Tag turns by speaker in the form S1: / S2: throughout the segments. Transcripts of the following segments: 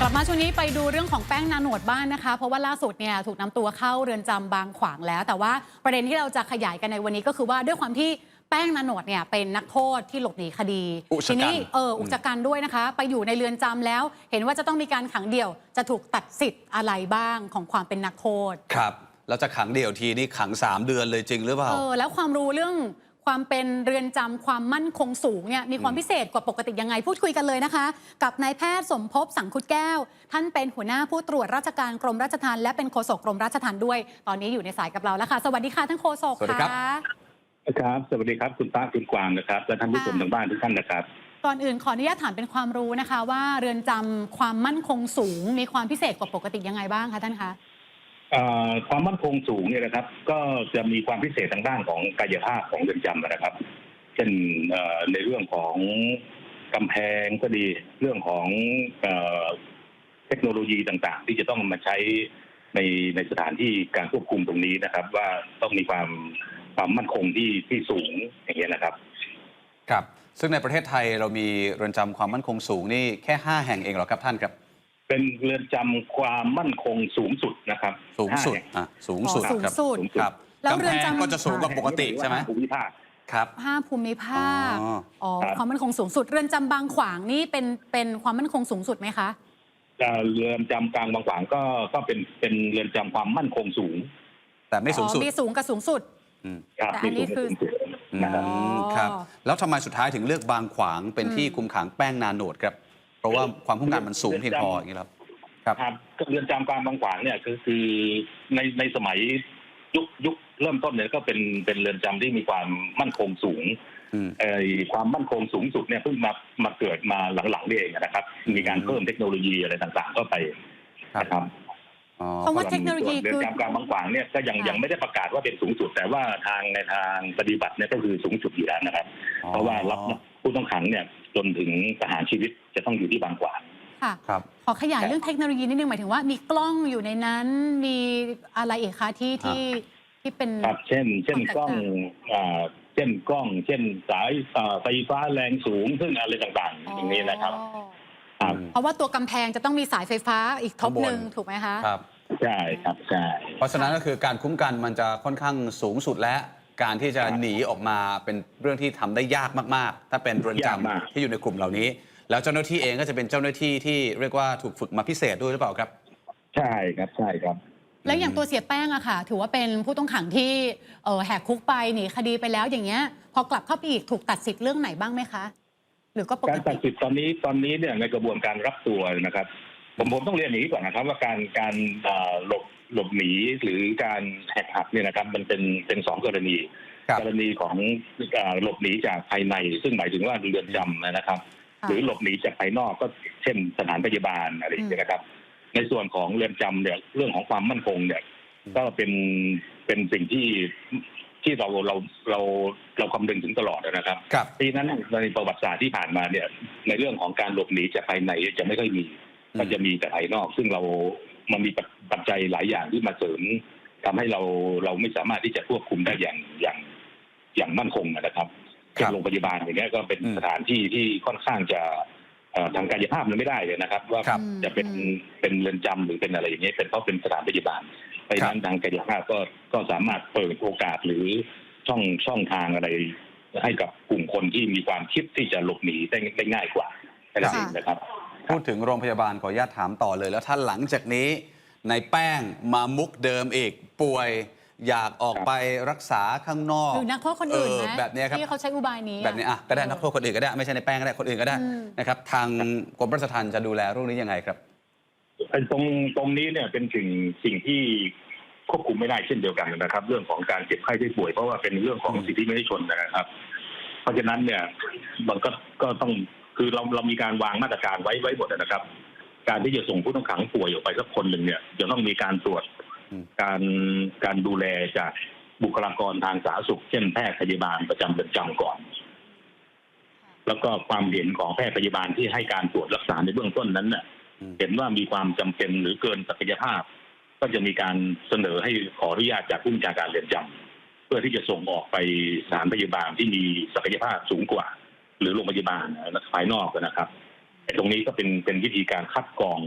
S1: ลับมาช่วงนี้ไปดูเรื่องของแป้งนาโนดบ้างนะคะเพราะว่าล่าสุดเนี่ยถูกนำตัวเข้าเรือนจำบางขวางแล้วแต่ว่าประเด็นที่เราจะขยายกันในวันนี้ก็คือว่าด้วยความที่แป้งนาโนดเนี่ยเป็นนักโทษที่หลบหนีคดีทีนี้อุกชะกันด้วยนะคะไปอยู่ในเรือนจำแล้วเห็นว่าจะต้องมีการขังเดี่ยวจะถูกตัดสิทธิ์อะไรบ้างของความเป็นนักโทษ
S2: ครับเราจะขังเดี่ยวทีนี่ขัง3 เดือนเลยจริงหรือเปล่า
S1: แล้วความรู้เรื่องความเป็นเรือนจำความมั่นคงสูงเนี่ยมีความพิเศษกว่าปกติยังไงพูดคุยกันเลยนะคะกับนายแพทย์สมภพสังคุดแก้วท่านเป็นหัวหน้าผู้ตรวจราชการกรมราชทัณฑ์และเป็นโฆษกกรมราชทัณฑ์ด้วยตอนนี้อยู่ในสายกับเราแล้วค่ะสวัสดีค่ะท่านโฆษกค่ะ
S3: ครับสวัสดีครับคุณป้าคุณกวางนะครับและท่านผู้ชมทางบ้านทุกท่านนะครับ
S1: ก่อนอื่นขออนุญาตถามเป็นความรู้นะคะว่าเรือนจำความมั่นคงสูงมีความพิเศษกว่าปกติยังไงบ้างคะท่านคะ
S3: ความมั่นคงสูงเนี่ยนะครับก็จะมีความพิเศษทางด้านของกายภาพของเรือนจำนะครับเช่นในเรื่องของกำแพงก็ดีเรื่องของเทคโนโลยีต่างๆที่จะต้องมาใช้ในสถานที่การควบคุมตรงนี้นะครับว่าต้องมีความมั่นคงที่สูงอย่างเงี้ยนะครับ
S2: ครับซึ่งในประเทศไทยเรามีเรือนจำความมั่นคงสูงนี่แค่5 แห่งเองเหรอครับท่านครับ
S3: เป็นเรือนจำความมั่นคงสูงสุดนะครับ
S2: สูงสุดสูงสุดครับ
S1: แล้วเรือนจำ
S2: ก็จะสูงกว่าปกติใช่ไหม
S3: ภูมิภาค
S2: ครับ
S1: 5 ภูมิภาคความมั่นคงสูงสุดเรือนจำบางขวางนี่เป็นความมั่นคงสูงสุดไหมคะ
S3: เรือนจำกลางบางขวางก็เป็นเรือนจำความมั่นคงสูง
S2: แต่ไม่สูงสุด
S1: มีสูงกับสูงสุด
S3: แต่อันนี้คือ
S2: ครับแล้วทำไมสุดท้ายถึงเลือกบางขวางเป็นที่คุมขังแป้งนาโนดครับเพราะว่าความคุ้มกันมันสูงเพียงพออย่างนี้ครับ
S3: เรือนจำกลางบางขวางเนี่ยคือในสมัยยุคเริ่มต้นเนี่ยก็เป็นเรือนจำที่มีความมั่นคงสูงความมั่นคงสูงสุดเนี่ยเพิ่งมาเกิดมาหลังๆนี่เองนะครับมีการเพิ่มเทคโนโลยีอะไรต่างๆเข้าไปนะครับ
S1: เพราะว่าเทคโนโลยี
S3: เรือนจำกลางบางขวางเนี่ยก็ยังไม่ได้ประกาศว่าเป็นสูงสุดแต่ว่าในทางปฏิบัติเนี่ยก็คือสูงสุดอยู่แล้วนะครับเพราะว่ารับผู้ต้องขังเนี่ยจนถึงประหารชีวิตจะต้องอยู่ที่บางขวาง
S1: ค่ะขอขยายเรื่องเทคโนโลยีนิดนึงหมายถึงว่ามีกล้องอยู่ในนั้นมีอะไรอีกคะที่เป็น
S3: ครับเช่นกล้องเช่นสายไฟฟ้าแรงสูงซึ่งอะไรต่างๆอย่างนี้นะครับ
S1: เพราะว่าตัวกำแพงจะต้องมีสายไฟฟ้าอีกทบหนึ่งถูกไหมคะ
S2: ครับ
S3: ใช่ครับใช่
S2: เพราะฉะนั้นก็คือการคุ้มกันมันจะค่อนข้างสูงสุดและการที่จะหนีออกมาเป็นเรื่องที่ทำได้ยากมากๆถ้าเป็นเรือนจำที่อยู่ในกลุ่มเหล่านี้แล้วเจ้าหน้าที่เองก็จะเป็นเจ้าหน้าที่ที่เรียกว่าถูกฝึกมาพิเศษด้วยหรือเปล่าครับ
S3: ใช่ครับ
S1: แล้วอย่างตัวเสียแป้งอะค่ะถือว่าเป็นผู้ต้องขังที่แหกคุกไปหนีคดีไปแล้วอย่างเงี้ยพอกลับเข้าไปอีกถูกตัดสิทธิ์เรื่องไหนบ้างไหมคะหรือก็ปกติ
S3: การตัดสิทธิ์ตอนนี้เนี่ยในกระบวนการรับตัวนะครับผมต้องเรียนอย่างนี้ก่อนนะครับว่าการหลบหนีหรือการแหกหักเนี่ยนะครับมันเป็น2 กรณีของหลบหนีจากภายในซึ่งหมายถึงว่าเรือนจำนะครับหรือหลบหนีจากภายนอกก็เช่นสถานพยาบาลอะไรอย่างเงี้ยนะครับในส่วนของเรือนจำเนี่ยเรื่องของความมั่นคงเนี่ยก็เป็นสิ่งที่เราคำนึงถึงตลอดนะครับปีนั้นในประวัติศาสตร์ที่ผ่านมาเนี่ยในเรื่องของการหลบหนีจากภายในจะไม่ค่อยมีมันจะมีแต่ภายนอกซึ่งมันมีปัจจัยหลายอย่างที่มาเสริมทำให้เราไม่สามารถที่จะควบคุมได้อย่างมั่นคงนะครับเช่นโรงพยาบาลอย่างเงี้ยก็เป็นสถานที่ที่ค่อนข้างจะทางกายภาพมันไม่ได้เลยนะครับว่าจะเป็นเรือนจำหรือเป็นอะไรอย่างเงี้ยเป็นเพราะเป็นสถานพยาบาลไปนั้นทางกายภาพก็สามารถเปิดโอกาสหรือช่องทางอะไรให้กับกลุ่มคนที่มีความคิดที่จะหลบหนีได้ง่ายกว่านะครับ
S2: พูดถึงโรงพยาบาลขออนุญาตถามต่อเลยแล้วถ้าหลังจากนี้ในแป้งมามุกเดิมอีกป่วยอยากออกไปรักษาข้างนอก
S1: หรือนักโทษคนอื่น
S2: แบบนี้ครับ
S1: ที่เขาใช้อุบายนี้
S2: แบบนี้ก็ได้นักโทษคนอื่นก็ได้ไม่ใช่ในแป้งก็ได้คนอื่นก็ได้นะครับทางกรมราชทัณฑ์จะดูแลเรื่องนี้ยังไงครับ
S3: ตรงนี้เนี่ยเป็นสิ่งที่ควบคุมไม่ได้เช่นเดียวกันนะครับเรื่องของการเจ็บไข้ได้ป่วยเพราะว่าเป็นเรื่องของสิทธิมนุษยชนนะครับเพราะฉะนั้นเนี่ยมันก็ต้องคือเรามีการวางมาตรการไว้หมดนะครับการที่จะส่งผู้ต้องขังป่วยออกไปสักคนหนึ่งเนี่ยจะต้องมีการตรวจการดูแลจากบุคลากรทางสาธารณสุขเช่นแพทย์พยาบาลประจำเรือนจำก่อนแล้วก็ความเห็นของแพทย์พยาบาลที่ให้การตรวจรักษาในเบื้องต้นนั้นเนี่ยเห็นว่ามีความจำเป็นหรือเกินศักยภาพก็จะมีการเสนอให้ขออนุญาตจากผู้บัญชาการเรือนจำเพื่อที่จะส่งออกไปสถานพยาบาลที่มีศักยภาพสูงกว่าหรือโรงพยาบาลภายนอกนะครับตรงนี้ก็เป็นวิธีการคัดกรอง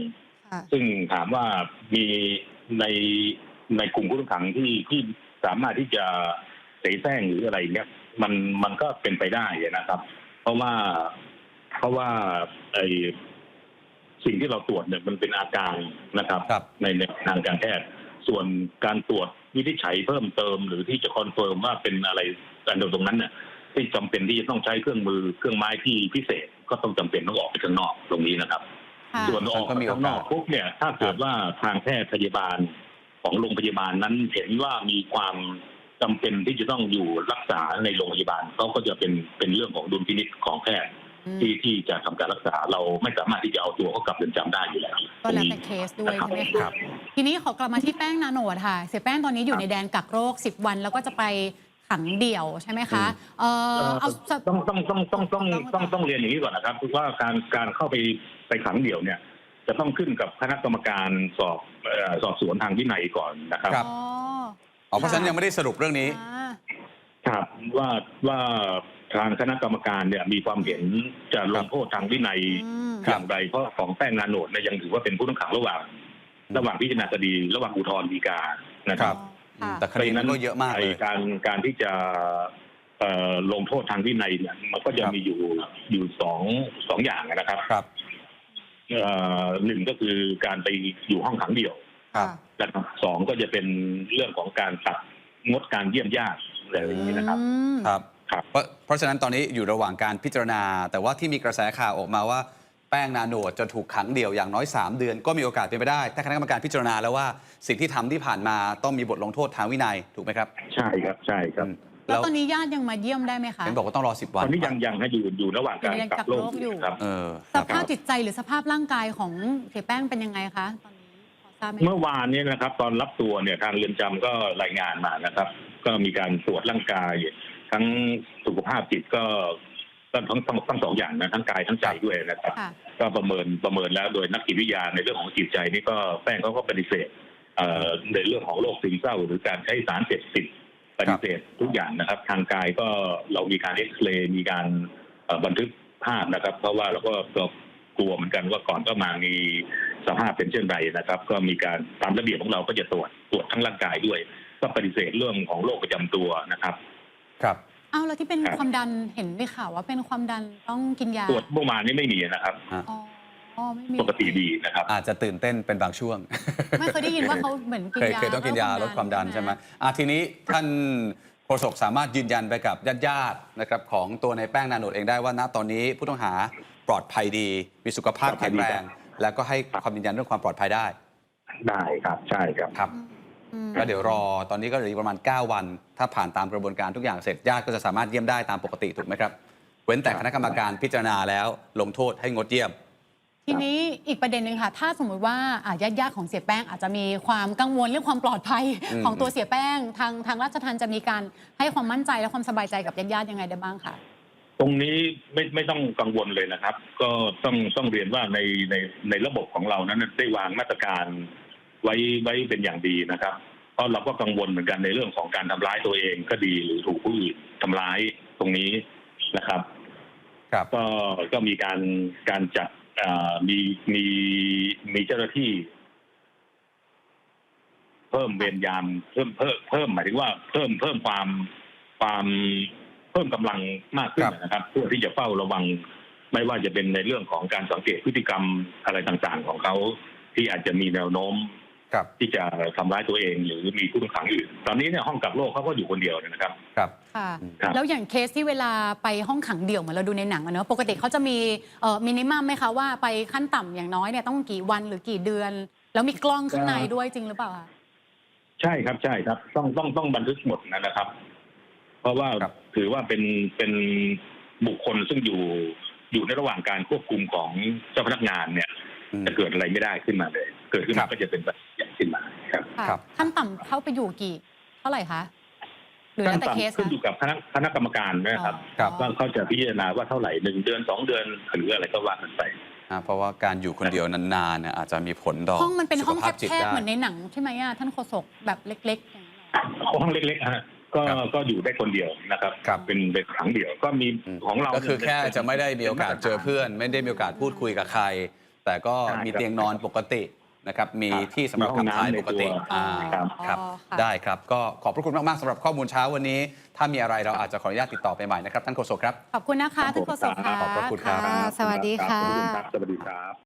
S3: ซึ่งถามว่ามีในในกลุ่มผู้ต้องขังที่สามารถที่จะเสแสร้งหรืออะไรเนี้ยมันก็เป็นไปได้นะครับ เพราะว่าไอสิ่งที่เราตรวจเนี่ยมันเป็นอาการนะครับในทางการแพทย์ส่วนการตรวจวินิจฉัยเพิ่มเติมหรือที่จะคอนเฟิร์มว่าเป็นอะไรกันตรงนั้นเนี่ยที่จำเป็นที่จะต้องใช้เครื่องมือเครื่องไม้ที่พิเศษก็ต้องจำเป็นต้องออกไปข้างนอกตรงนี้นะครับส่วนออกไปข้างนอกปุ๊บเนี่ยถ้าเกิดว่าทางแพทย์พยาบาลของโรงพยาบาลนั้นเห็นว่ามีความจำเป็นที่จะต้องอยู่รักษาในโรงพยาบาลเขาก็จะเป็นเรื่องของดุลพินิจของแพทย์ที่จะทำการรักษาเราไม่สามารถที่จะเอาตัวเขากลับเรือนจำได้อยู่แล้ว
S1: ก็แล้วแต่เคสด้วยใช่ไหมครับทีนี้ขอกลับมาที่แป้งนาโนดค่ะเสียแป้งตอนนี้อยู่ในแดนกักโรค10 วันแล้วก็จะไปขังเดี่ยวใช่ไหมคะ
S3: ต้องเรียนอย่างนี้ก่อนนะครับว่าการเข้าไปขังเดี่ยวเนี่ยจะต้องขึ้นกับคณะกรรมการสอบสวนทางวินัยก่อนนะครับ
S2: เพราะฉะนั้นยังไม่ได้สรุปเรื่องนี้
S3: ครับว่าทางคณะกรรมการเนี่ยมีความเห็นจะลงโทษทางวินัยอย่างไรเพราะของแป้งนาโนดเนี่ยยังถือว่าเป็นผู้ต้องขังระหว่างพิจารณาคดีระหว่างอุทธรณ์ฎีกานะครับ
S2: แต่คดีนั้นก็เยอะมากเลย
S3: การที่จะลงโทษทางวินัยเนี่ยมันก็จะมีอยู่สองอย่างนะครับหนึ่งก็คือการไปอยู่ห้องขังเดี่ยวนะครับสองก็จะเป็นเรื่องของการตัดงดการเยี่ยมญาติอะไรอย่างนี้นะครับ
S2: เพราะฉะนั้นตอนนี้อยู่ระหว่างการพิจารณาแต่ว่าที่มีกระแสข่าวออกมาว่าแป้งนาโนดจะถูกขังเดี่ยวอย่างน้อย3 เดือนก็มีโอกาสเป็นไปได้ถ้าคณะกรรมการพิจารณาแล้วว่าสิ่งที่ทำที่ผ่านมาต้องมีบทลงโทษทางวินัยถูกไหมครับ
S3: ใช่ครับใช่ครับ
S1: แล้วตอนนี้ญาติยังมาเยี่ยมได้ไหมคะ
S2: เห็นบอกว่าต้องรอ10 วัน
S3: ตอนนี้ยังให้อยู่ระหว่างการกักโรคอยู่ครับ
S1: สภาพจิตใจหรือสภาพร่างกายของเสียแป้งเป็นยังไงคะตอนนี้พอทราบไหม
S3: เมื่อวานนี้นะครับตอนรับตัวเนี่ยทางเรือนจำก็รายงานมานะครับก็มีการตรวจร่างกายทั้งสุขภาพจิตก็ทั้ง2 อย่างนะทั้งกายทั้งใจด้วยนะครับก็ประเมินแล้วโดยนักจิตวิทยาในเรื่องของจิตใจนี่ก็แป้งเขาก็ปฏิเสธในเรื่องของโรคซึมเศร้าหรือการใช้สารเสพติดปฏิเสธทุกอย่างนะครับทางกายก็เรามีการเอ็กซเรย์มีการบันทึกภาพนะครับเพราะว่าเราก็กลัวเหมือนกันว่าก่อนก็มามีสภาพเป็นเช่นไรนะครับก็มีการตามระเบียบของเราก็จะตรวจทั้งร่างกายด้วยก็ปฏิเสธเรื่องของโรคประจำตัวนะครับ
S1: เอาแล้วที่เป็นความดันเห็นได้ข่าวว่าเป็นความดันต้องกินยา
S3: ตรวจเมื่อวานนี้ไม่มีนะครับปกติดีนะครับ
S2: อาจจะตื่นเต้นเป็นบางช่วง
S1: ไม่เคยได้ยินว่าเขาเหมือนกินยา
S2: เคยต้องกินยาลดความดันใช่ไหมทีนี้ท่านโฆษกสามารถยืนยันไปกับญาติๆนะครับของตัวในแป้งนาโนดเองได้ว่าณตอนนี้ผู้ต้องหาปลอดภัยดีมีสุขภาพแข็งแรงแล้วก็ให้ความยืนยันเรื่องความปลอดภัยได้
S3: ครับใช่ครับ
S2: ก็เดี๋ยวรอตอนนี้ก็เหลือประมาณ9 วันถ้าผ่านตามกระบวนการทุกอย่างเสร็จญาติก็จะสามารถเยี่ยมได้ตามปกติถูกไหมครับเว้นแต่คณะกรรมการพิจารณาแล้วลงโทษให้งดเยี่ยม
S1: ทีนี้อีกประเด็นหนึ่งค่ะถ้าสมมุติว่าญาติของเสียแป้งอาจจะมีความกังวลเรื่องความปลอดภัยของตัวเสียแป้งทางราชทัณฑ์จะมีการให้ความมั่นใจและความสบายใจกับญาติยังไงได้บ้างคะ
S3: ตรงนี้ไม่ต้องกังวลเลยนะครับก็ต้องเรียนว่าในระบบของเรานั้นได้วางมาตรการไว้เป็นอย่างดีนะครับเพราะเราก็กังวลเหมือนกันในเรื่องของการทำร้ายตัวเองก็ดีหรือถูกผู้อื่นทำร้ายตรงนี้นะครับก็มีการจัดมีเจ้าหน้าที่เพิ่มเวรยามเพิ่มหมายถึงว่าเพิ่มความเพิ่มกำลังมากขึ้นนะครับเพื่อที่จะเฝ้าระวังไม่ว่าจะเป็นในเรื่องของการสังเกตพฤติกรรมอะไรต่างๆของเขาที่อาจจะมีแนวโน้มที่จะทำร้ายตัวเองหรือมีผู้ต้องขังอื่นตอนนี้เนี่ยห้องกักโรคเขาก็อยู่คนเดียวนะครับ
S1: แล้วอย่างเคสที่เวลาไปห้องขังเดี่ยวเหมือนเราดูในหนังอะเนอะปกติเขาจะมีมินิมัมไหมคะว่าไปขั้นต่ำอย่างน้อยเนี่ยต้องกี่วันหรือกี่เดือนแล้วมีกล้องข้างในด้วยจริงหรือเปล่าคะ
S3: ใช่ครับต้องบันทึกหมดนะครับเพราะว่าถือว่าเป็นบุคคลซึ่งอยู่ในระหว่างการควบคุมของเจ้าพนักงานเนี่ยจะเกิดอะไรไม่ได้ขึ้นมาเลยเกิดขึ้นมาก็จะเป็นแบบอย่างขึ้นมาครับ
S1: ขั้นต่ำเข้าไปอยู่เท่าไหร่คะหรือแล้วแต่เคส
S3: ขึ้นอยู่กับคณะกรรมการนะครับว่าเขาจะพิจารณาว่าเท่าไหร่1 เดือน 2 เดือนหรืออะไรก็ว่ากันไป
S2: เพราะว่าการอยู่คนเดียวนานๆอาจจะมีผลต่อ
S1: ห้องมันเป็นห้องแคบๆเหมือนในหนังใช่ไหมท่านโฆษกแบบเล็กๆอย่างนี้
S3: ห้องเล็กๆฮะก็อยู่ได้คนเดียวนะครับเป็นขังเดี่ยวก็มีของเรา
S2: ก็คือแค่จะไม่ได้มีโอกาสเจอเพื่อนไม่ได้มีโอกาสพูดคุยกับใครแต่ก็
S3: ใช่
S2: มี
S3: ครับ
S2: เตียงนอนปกตินะครับมีที่สำหรับ
S3: มีห้อง
S2: ขับถ่าย
S3: น้ำใน
S2: ปกติ
S3: ตัว
S2: ครับ
S1: ค่ะ
S2: ได้ครับก็ขอบพระคุณมากๆสำหรับข้อมูลเช้าวันนี้ ถ้ามีอะไรเราอาจจะขออนุญาตติดต่อไปใหม่นะครับท่านโฆษกครับ
S1: ขอบคุณนะคะท่านโฆษกค่ะ
S2: ขอบพระคุณครับ
S1: สวัสดีค่ะ
S3: ขอบคุณครับสวัสดีครับ